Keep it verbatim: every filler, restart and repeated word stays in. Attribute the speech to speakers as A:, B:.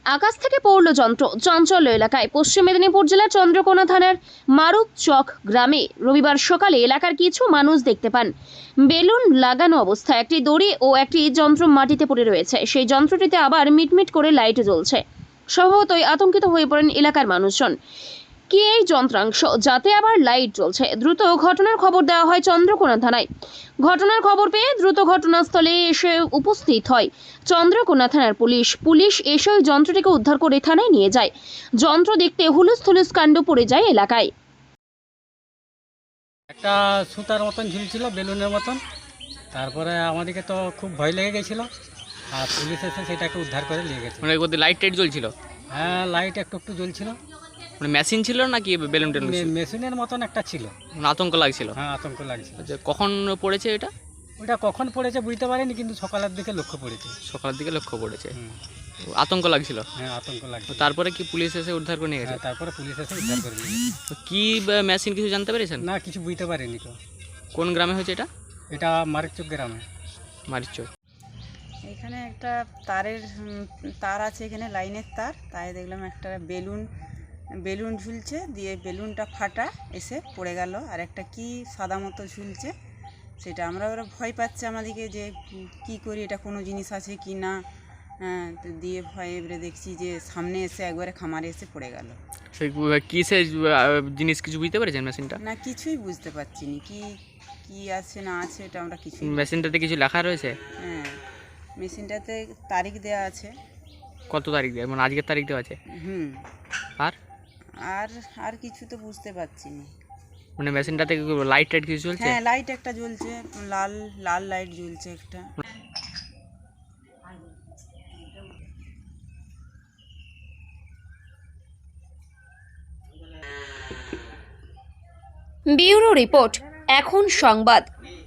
A: আকাশ থেকে পড়ল যন্ত্র। চাঞ্চল্য এলাকায়। পশ্চিম মেদিনীপুর জেলার চন্দ্রকোনা থানার মারুক চক গ্রামে রবিবার সকালে এলাকার কিছু মানুষ দেখতে পান বেলুন লাগানো অবস্থায় একটি দড়ি ও একটি যন্ত্র মাটিতে পড়ে রয়েছে। সেই যন্ত্রটিতে আবার মিটমিট করে লাইট জ্বলছে। স্বভাবতই আতঙ্কিত হয়ে পড়েন এলাকার মানুষজন। কি এই যন্ত্রাংশ, যাতে আবার লাইট জ্বলছে? দ্রুত ঘটনার খবর দেওয়া হয় চন্দ্রকোনা থানায়। ঘটনার খবর পেয়ে দ্রুত ঘটনাস্থলে এসে উপস্থিত হয় চন্দ্রকোনা থানার পুলিশ। পুলিশ এসে ওই যন্ত্রটিকে উদ্ধার করে থানায় নিয়ে যায়। যন্ত্র দেখতে হুলুস থুলুস কাণ্ড পড়ে যায় এলাকায়।
B: একটা সুতার মতন ঝুলছিল, বেলুনের মতন। তারপরে আমাদেরকে তো খুব ভয় লেগে গেছিলো, আর পুলিশ এসে সেটাকে উদ্ধার করে নিয়ে গেছে।
C: মানে ওদের লাইট টাইট জ্বলছিল?
B: হ্যাঁ, লাইট একটু একটু জ্বলছিল।
C: মানে মেশিন ছিল নাকি বেলুন টেলুন ছিল?
B: মে- মেশিনের মতন একটা ছিল।
C: মানে আতঙ্ক লাগছিল?
B: হ্যাঁ, আতঙ্ক লাগছিল।
C: আচ্ছা, কখন পড়েছে এটা?
B: ওটা কখন পড়েছে বুঝতে পারিনি, কিন্তু সকালের দিকে লক্ষ্য পড়েছে।
C: সকালের দিকে লক্ষ্য পড়েছে।
B: হুম,
C: তো আতঙ্ক লাগছিল?
B: হ্যাঁ, আতঙ্ক
C: তো
B: লাগছিল।
C: তারপরে কি পুলিশ এসে উদ্ধার করে নিয়ে গেছে?
B: হ্যাঁ, তারপরে পুলিশ এসে উদ্ধার করে নিয়ে গেছে।
C: তো কি মেশিন কিছু জানতে পেরেছেন?
B: না, কিছু বুঝতে পারিনি তো।
C: কোন গ্রামে হয়েছে এটা?
B: এটা মারিকচক গ্রামে।
C: মারিচক।
D: এখানে একটা তারের উম, তার আছে, এখানে লাইনের তার। তাই দেখলাম একটা বেলুন বেলুন ঝুলছে, দিয়ে বেলুনটা ফাটা এসে পড়ে গেল। আর একটা কি সাদা মতো ঝুলছে, সেটা আমরা ওরা ভয় পাচ্ছে আমাদেরকে যে উম, কি করি, এটা কোনো জিনিস আছে কি না। হ্যাঁ, তো দিয়ে ভয়ে এবারে দেখছি যে সামনে এসে একবারে খামারে এসে পড়ে গেল।
C: সেই কিসের জিনিস কিছু বুঝতে পেরেছেন মেশিনটা?
D: না, কিছুই বুঝতে পারছি না কি কি আছে না আছে, এটা আমরা কিছুই।
C: মেশিনটাতে কিছু লেখা রয়েছে?
D: হ্যাঁ, মেশিনটাতে তারিখ দেওয়া আছে।
C: কত তারিখ দেওয়া, মানে আজকের তারিখ দেওয়া আছে?
D: হুম।
C: আর
D: আর আর কিছু তো বুঝতে পারছি না।
C: মানে মেশিনটাতে লাইট টাইট কিছু চলছে?
D: হ্যাঁ, লাইট একটা জ্বলছে, লাল লাল লাইট জ্বলছে একটা।
A: ব্যুরো রিপোর্ট, এখন সংবাদ।